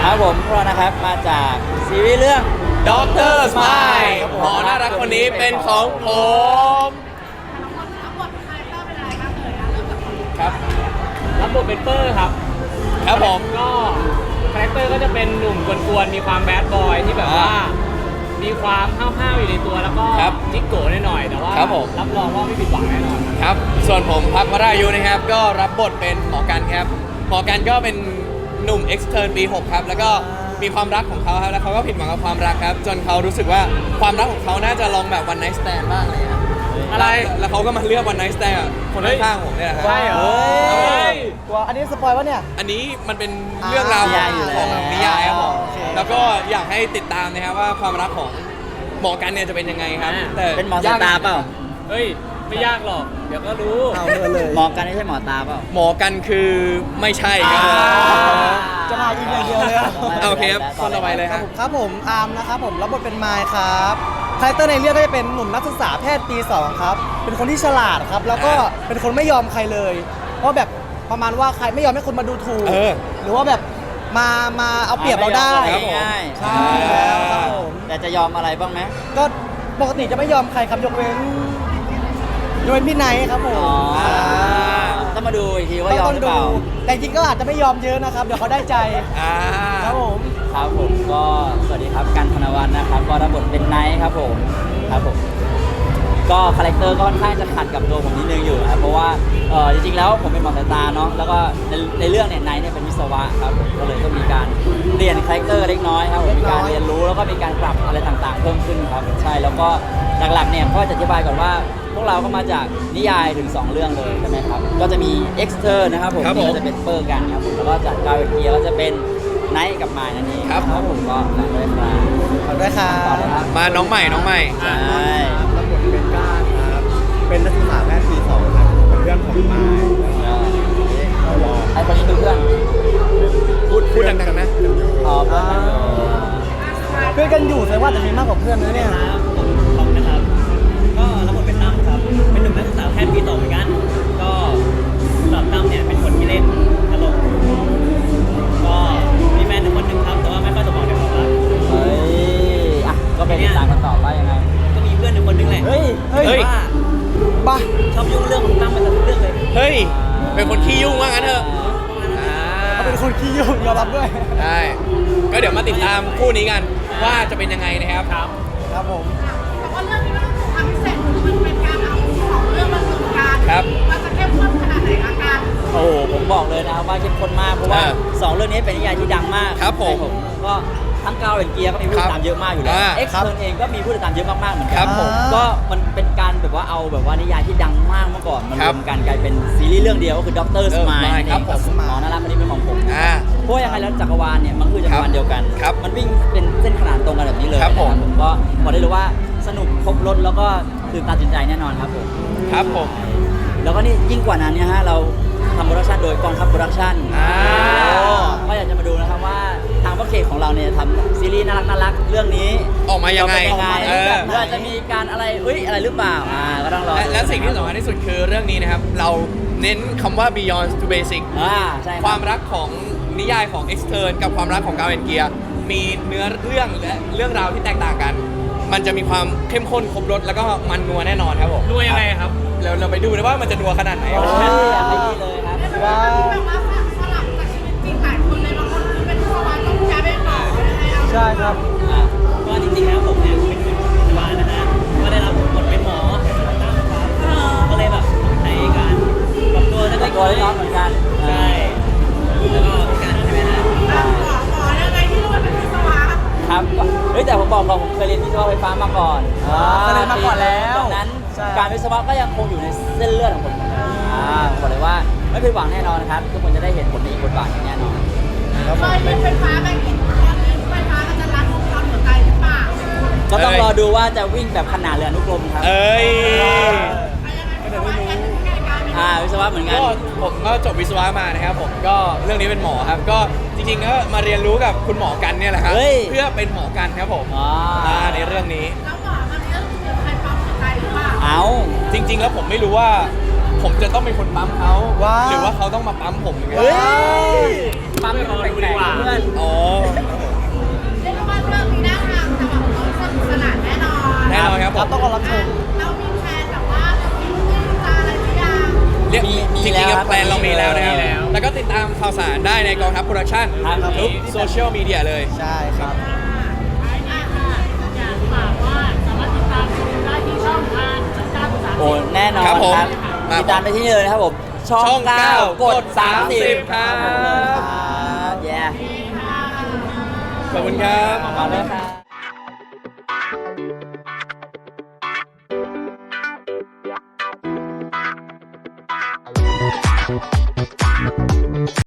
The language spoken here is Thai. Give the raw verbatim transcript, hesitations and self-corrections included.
ครับผมพวกเรานะครับมาจากซีรีส์เรื่องด็อกเตอร์ Smile หมอน่ารักคนนี้เป็นของผมครับรับบทเป็นเปอร์ครับครับผมก็คาแรคเตอร์ก็จะเป็นหนุ่มกวนๆมีความแบดบอยที่แบบว่ามีความห้าวๆอยู่ในตัวแล้วก็จิ๊กโก้หน่อยๆแต่ว่ารับรองว่าไม่ผิดหวังแน่นอนครับส่วนผมพักวรายุนะครับก็รับบทเป็นหมอกันครับหมอกันก็เป็นหนุ่ม extern ปีหกครับแล้วก็มีความรักของเขาครับแล้วเขาก็ผิดหวังกับความรักครับจนเขารู้สึกว่าความรักของเขาน่าจะลองแบบ one night stand บ้างเลยครับอะไรแล้วเขาก็มาเลือก one night stand กับคนข้างๆผมเนี่ยครับใช่เหรอตัวอันนี้สปอยวะเนี่ยอันนี้มันเป็นเรื่องราวของของนิยายครับผมโอเคแล้วก็อยากให้ติดตามนะครับว่าความรักของหมอกันเนี่ยจะเป็นยังไงครับแต่เป็นหมอสตาร์เปล่าเฮ้ยไม่ยากหรอกเดี๋ยวก็รู้เอาเลยเลยหมอกันไม่ใช่หมอตาเปล่าหมอกันคือไม่ใช่ครับจะมายิงอย่างเดียวเลยอะโอเคครับคนต่อไปเลยคครัรับบ ผมครับผมอาร์มนะครับผมรับบทเป็นไมค์ครับคาแรคเตอร์ในเรื่องก็จะเป็นหนุ่มนักศึกษาแพทย์ปีสองครับเป็นคนที่ฉลาดครับแล้วก็เป็นคนไม่ยอมใครเลยเพราะแบบประมาณว่าใครไม่ยอมให้คนมาดูถูกเออหรือว่าแบบมามาเอาเปรียบเราได้ครับผมง่ายใช่แล้วครับผมแต่จะยอมอะไรบ้างไหมก็ปกติจะไม่ยอมใครครับยกเว้นยกเว้นพี่ไนท์ครับผมอ๋อต้องมาดูอีกทีว่ายอมหรือเปล่าแต่จริงก็อาจจะไม่ยอมเยอะนะครับ เดี๋ยวเขาได้ใจอ่าครับผมครับผมก็สวัสดีครับกันธนวัฒน์นะครับก็รับบทเป็นไนท์ครับผมครับผมก็คาแรคเตอร์ก็ค่อนข้างจะขัดกับตัวผมนิดนึงอยู่นะครับเพราะว่าเออจริงๆแล้วผมเป็นหมอสายตาเนาะแล้วก็ในในเรื่องเนี่ยไนท์เนี่ยเป็นวิศวะครับผมก็เลยต้องมีการเรียนคาแรคเตอร์เล็กน้อยครับผมมีการเรียนรู้แล้วก็มีการปรับอะไรต่างๆเพิ่มขึ้นครับใช่แล้วก็หลักๆเนี่ยก็จะอธิบายก่อนว่าพวกเราก็มาจากนิยายถึงสองเรื่องเลยใช่ไหมครับก็จะมี Exter นะครับผมครับผมนี่ก็จะเป็นเปอร์กันครับผมแล้วก็จากกาเวเกียก็จะเป็นไนท์กับมายนั่นเองครับผมก็ฝากด้วยครับขอบด้วยครัต่อเลยครับ บมาน้องใหม่น้องใหม่ใช่รับบทเป็นก้านครับ เป็นนักศึกษาแพทย์ปีสองครับ เป็นเพื่อนของไม้ไอ้คนนี้คือเพื่อนพูดพูดดังๆนะอ๋อเพื่อนกันอยู่เพื่อนกันอยู่แสดงว่าจะมีมากกว่าเพื่อนนะเนี่ยผมนะครับก็รับบทเป็นตั้มครับ เป็นหนุ่มนักศึกษาแพทย์ปีสองเหมือนกัน ก็สำหรับตั้มเนี่ยเป็นคนที่เล่นตลกก็มีแฟนหนึ่งคนหนึ่งครับ แต่ว่าไม่ค่อยสมองในความรักเฮ้ยอ่ะก็ไปติดตามกันต่อว่ายังไงก็มีเพื่อนหนึ่งคนหนึงแหละเฮ้ยเฮ้ยเฮ้ยว่าป่ะชอบยุ่งเรื่องของตั้มไปซะทุกเรื่องเลยเฮ้ยเป็นคนขี้ยุ่งว่างั้นเถอะอ่าเขาเป็นคนขี้ยุ่งยอมรับด้วยใช่ก็เดี๋ยวมาติดตามคู่นี้กันว่าจะเป็นยังไงนะครับครับครับผมแต่ว่าเรื่องนี้มันต้องทำพิเศษคือมันเป็นการเอาสองเรื่องมารวมกันครับมันจะเข้มข้นขนาดไหนอาการโอ้โหผมบอกเลยนะครับว่าเข้มข้นมากเพราะว่าอ่าสองเรื่องนี้เป็นนิยายที่ดังมากครับผมใช่ก็ทั้งกาวเรนเกียร์ก็มีผู้ติดตามเยอะมากอยู่แล้วอ่าเอ็กซ์เทิร์นเองก็มีผู้ติดตามเยอะมากๆเหมือนกัครับผมก็มันเป็นการแบบว่าเอาแบบว่านิยายที่ดังมากเมื่อก่อนมารครัวบมกันกลายเป็นซีรีส์เรื่องเดียวก็คือด็อกเตอร์สมาย Smile ครับผมหมอน่ารักคนนี้เป็นของผมอ่าเพราะว่ายังไงแล้วจักรวาลเนี่ยมันคือจักรวาลเดียวกันครับมันวิ่งเป็นเส้นขนานตรงกันแบบนี้เลยครับผมนะก็บอกได้เลยว่าสนุกครบรถแล้วก็ตื่นตาตื่นใจแน่นอนครับผมครับผมแล้วก็นี่ยิ่งกว่านั้นเนี่ยฮะเราทำโปรดักชันโดยกองทัพโปรดักชันอ่าก็อยากจะมาดูนะครับว่าทางพ่อเคของเราเนี่ยทำซีรีส์น่ารักน่ารักเรื่องนี้ออกมายังไงจะเป็นยังไงเออหรืออาจจะมีการอะไรเอ้ยอะไรหรือเปล่าอ่าก็ต้องรอและและสิ่งที่สำคัญที่สุดคือเรื่องนี้นะครับ เราเน้นคำว่า beyond to basic อ่าใช่รับความรักของนิยายของ extern กับความรักของกาเวนเกียมีเนื้อเรื่องและเรื่องราวที่แตกต่างกัน มันจะมีความเข้มข้นครบรสแล้วก็มันนัวแน่นอนครับผมนัวยังไงครับเราเราไปดูนะว่ามันจะนัวขนาดไหนโอ้ครับยอยากไปนี่เลยครับว้าวแบบว่าสลับจากชีวิตจริงหลายคนเลยบางคนคือเป็นสวรรค์ต้องย้ายไปต่อยังไงเอาใช่ครับอ่าก็จริงๆแล้วผมเนี่ยเป็นคนพยาบาลนะฮะ ก็ได้รับบทเป็นหมอตั้มครับ ก็เลยแบบในการปรับตัวเล็กตัวเล็กน้อยเหมือนกันใช่ แล้วก็การใช่ไหมฮะหมอหมอยังไงที่รู้ว่าเป็นวิศวะครับก็เฮ้ยแต่ผมบอกก่อนผมเคยเรียนวิศวะไฟฟ้ามาก่อนอ๋อเคยเรียนมาก่อนแล้วดังนั้นใช่การวิศวะก็ยังคงอยู่ในเส้นเลือดของผมอ่าผมบอกเลยว่าไม่ผิดหวังแน่นอนนะครับทุกคนจะได้เห็นผลในอีกบทบาทหนึ่งแน่นอนเคยเรียนไฟฟ้าไปกี่ตอนนี้ไฟฟ้ามันจะรัดวงจรหัวใจหรือเปล่าก็ต้องเอ้ยรอดูว่าจะวิ่งแบบขนาดเรืออนุกรมครับเอ้ยอะไรยังไงวิศวะแค่ถึงแค่การอ่าวิศวะเหมือนกันก็ผมก็จบวิศวะมานะครับผมก็เรื่องนี้เป็นหมอครับ ก็จริงๆก็มาเรียนรู้กับคุณหมอกันเนี่ยแหละครับเฮ้ยเพื่อเป็นหมอกันครับผมอ๋ออ่าในเรื่องนี้แล้วหมอมันเรื่องคือใครปั๊มหัวใจหรือเปล่าเอาจริง ๆ แล้วผมไม่รู้ว่าผมจะต้องเป็นคนปั๊มเขาว้าวหรือว่าเขาต้องมาปั๊มผมอย่างเงี้ยเฮ้ยปั๊มให้มันแปลกๆเพื่อนอ๋อเรียกได้ว่าเรื่องนี้น่าทำแต่แบบต้องสนุกสนานแน่นอนแน่นอนครับผครับมต้องรอรับชมเรามีแพลนแบบว่าจะมีลูกจะอะไรหรือยังเรียกมีมีจริงแล้วๆคกัรับบ แพลนเรามีแล้วนะครับมีแล้วแล้วก็ติดตามข่าวสารได้ในกองทัพโปรดักชั่นครับทุกโซเชียลมีเดียเลยใช่ครับโอ้แน่นอนครับผม มาติดตามได้ที่นี่เลยนะครับผม ช่องช่องเก้าเก้ากดกดสามสิบสามสิบครับครับแย่ขอบคุณครับมาเลยครับ